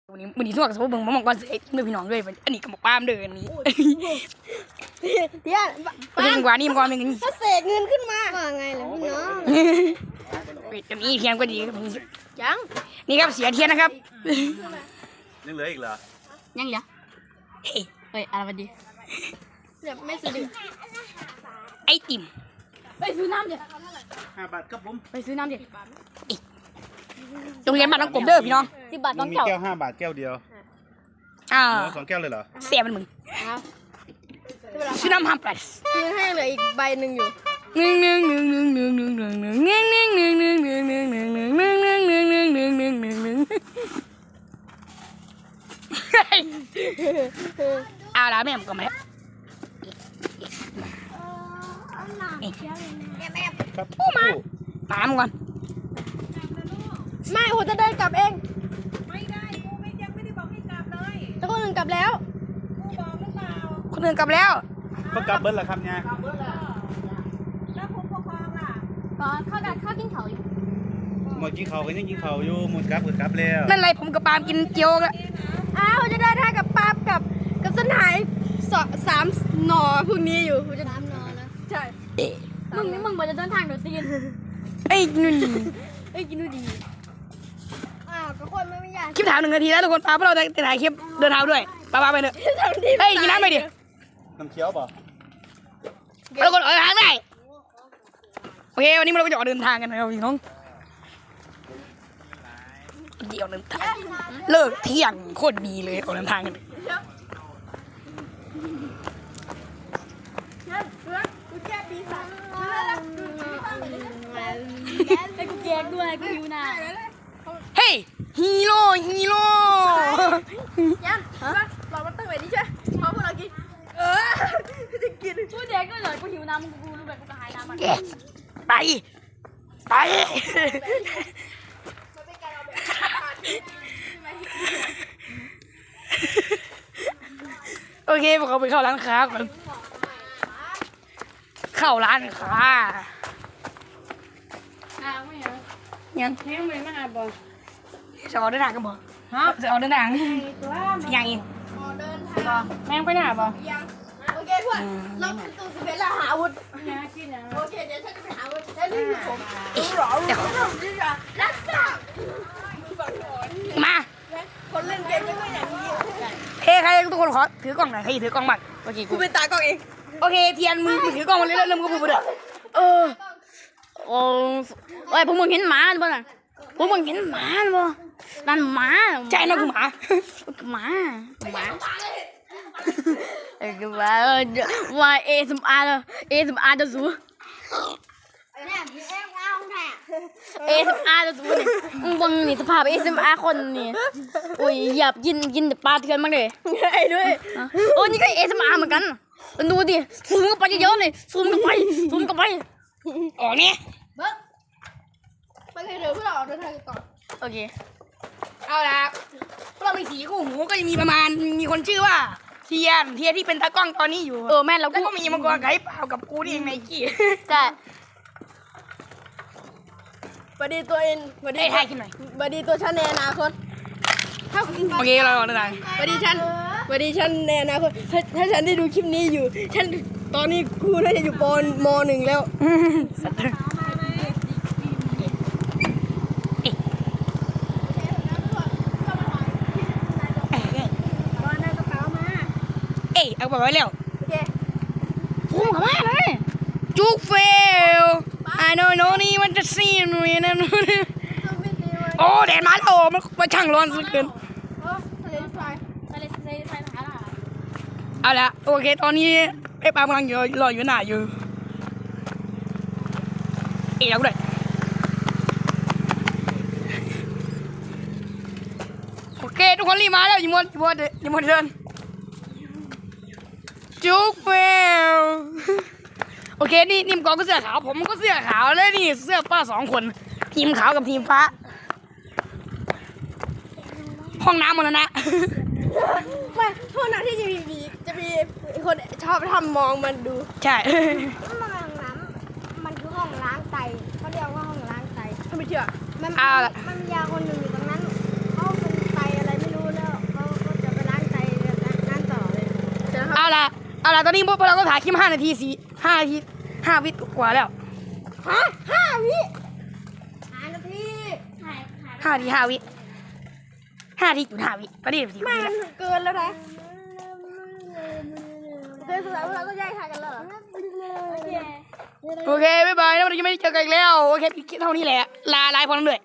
วันนี้ทั่วกับสมบูรณ์มองก่อนเสียเมื่อพี่น้องเลยอันนี้ก็บอกป้ามเดินนี้เดี๋ยวเป็นกว่านี่มันก่อนเป็นกันนี่ถ้าเสกเงินขึ้นมาว่าไงล่ะพี่น้องเป็ดกันนี้เทียนก็ดีครับยังนี่ครับเสียเทียนนะครับยังเหลืออีกเหรอยังเหรอเฮ้ยอะไรวะดีเดี๋ยวไม่ซื้อดิไอติมไปซื้อน้ำดิ 5 บาทครับผมไปซื้อน้ำดิโรงเรียนบ้านน้องกบเด้อพี่น้อง 10 บาทต้องมีแก้ว5 บาทแก้วเดียว2 แก้วเลยเหรอเสียมันมึงซื้อน้ำฮัมปลัสซื้อให้เหลืออีกใบหนึ่งอยู่เอาละแม่ผมก็มาแล้วครับตามก่อนไม่โหจะเดินกลับเองไม่ได้กูยังไม่ได้บอกให้กลับเลยแต่คนอื่นกลับแล้วกูบอกหรือเปล่าคนอื่นกลับแล้วก็กลับเบิ้ลเหรอครับเนี่ยแล้วผู้ปกครองล่ะก็ข้าวกินเขาอยู่หมดกินเขาก็ยังกินเขาอยู่หมดกลับแล้วนั่นไรผมกับปาล์มกินเจียวแล้วอ้าวจะเดินทางกับปาล์มกับสนาย3 หน่อพรุ่งนี้อยู่จะ3 หน่อนะใช่มึงบอกจะเดินทางเดี๋ยวตีนไอ้นุ่นกินดูดีก็คนไม่อยากคลิปถาม1 นาทีแล้วทุกคนปาเพราะเราจะถ่ายคลิปเดินทางด้วยปาไปเถอะเฮ้ยกินน้ำไปดิน้ำเคี้ยวป่ะทุกคนทางได้โอเควันนี้เราจะออกเดินทางกันนะครับพี่น้องเดี๋ยวเดินทางเลิกเที่ยงโคตรดีเลยออกเดินทางกันไอ้กูแยกด้วยกูหิวน้เฮ้ยฮีโร่ยังเรามาตั้งไว้ดิใช่เพราะพวกเรากินจะกินกูแยกด้วยเลยกูหิวน้ำกูรู้แบบกูกระหายน้ำมันไปโอเคพวกเขาไปเข้าร้านค้าก่อนเข้าร้านค้ายังไม่มาบอลจะออกเดินทางกันบ่ฮะจะออกเดินทางยังอีกแม่งไปไหนบอลโอเคเพื่อนเราตู้สิบเอ็ดแล้วหาอาวุธโอเคเดี๋ยวฉันจะไปหาอาวุธแล้วนี่คือผมเดี๋ยวรักษามาคนเล่นเกมไม่ก็อย่างนี้เฮ้ใครทุกคนขอถือกล้องหน่อยใครถือกล้องบ้างโอเคกูเป็นตากล้องเองโอเคเทียนมือถือกล้องมาเลยแล้วมึงก็พูดไปเลยโอ้ยพวกมึงเห็นหมาบ่น่ะพวกมึงเห็นหมาบ่นั่นหมาใช่นะกูหมาคือว่าASMRจะสู้ASMR จะสู้นี่บังนี่สภาพ ASMR คนนี่โอ้ยหยับกินแต่ปลาเถื่อนมากเลยไอ้ด้วยโอ้นี่ก็ ASMR เหมือนกันดูดิซูมเข้าไปเยอะๆเลยซูมเข้าไปออกเนี่ยไปเลยเดี๋ยวพวกเราเดินทางต่อโอเคเอาละพวกเรามี4 คู่หูก็จะมีประมาณมีคนชื่อว่าเทียนที่เป็นตากล้องตอนนี้อยู่แม่เราก็มีมังกรไก่เปล่ากับกูนี่เองไนกี้ใช่บัดดีตัวเองบัดดีให้กินหน่อยบัดดีตัวฉันในอนาคตโอเคเราเดินทางบัดดีฉันในอนาคตถ้าฉันได้ดูคลิปนี้อยู่ฉันตอนนี้ครูน่าจะอยู่ม.1แล้วเอาไปไว้แล้วโอเคพูดมาเลยจุกเฟลI don't know นี่มันจะซีนหนุ่ยนะโอ้แดดมาแล้วมันช่างร้อนสุดเกินเอาละโอเคตอนนี้ไอ้ปากำลังรออยู่หน้าอยู่เอาด้วยโอเคทุกคนรีบมาแล้วอย่ามัวเดินจุกเฟลโอเคนี่มกอก็เสื้อขาวผมก็เสื้อขาวแล้วนี่เสื้อป้า2 คนทีมขาวกับทีมฟ้าห้องน้ำหมดแล้วนะไม่ห้องน้ำที่จะมีคนชอบทำมองมันดูใช่ห้องน้ำมันคือห้องล้างไตเขาเรียกว่าห้องล้างไตไม่เชื่อมันมียาคนหนึ่งอยู่ตรงนั้นเขาเป็นไตอะไรไม่รู้นะเอาละตอนนี้พวกเราก็ถ่ายคลิป5 นาที5 วิกว่าแล้ว 5 วิ 5 นาที5 วิ5 จุด5 วิตอนนี้10 วิแล้วเกินแล้วนะเกินสุดท้ายพวกเราก็แยกทางกันแล้วเหรอโอเคบ๊ายบายแล้วเราจะไม่ได้เจอกันอีกแล้วโอเคคลิปเท่านี้แหละลาพอนั้นด้วย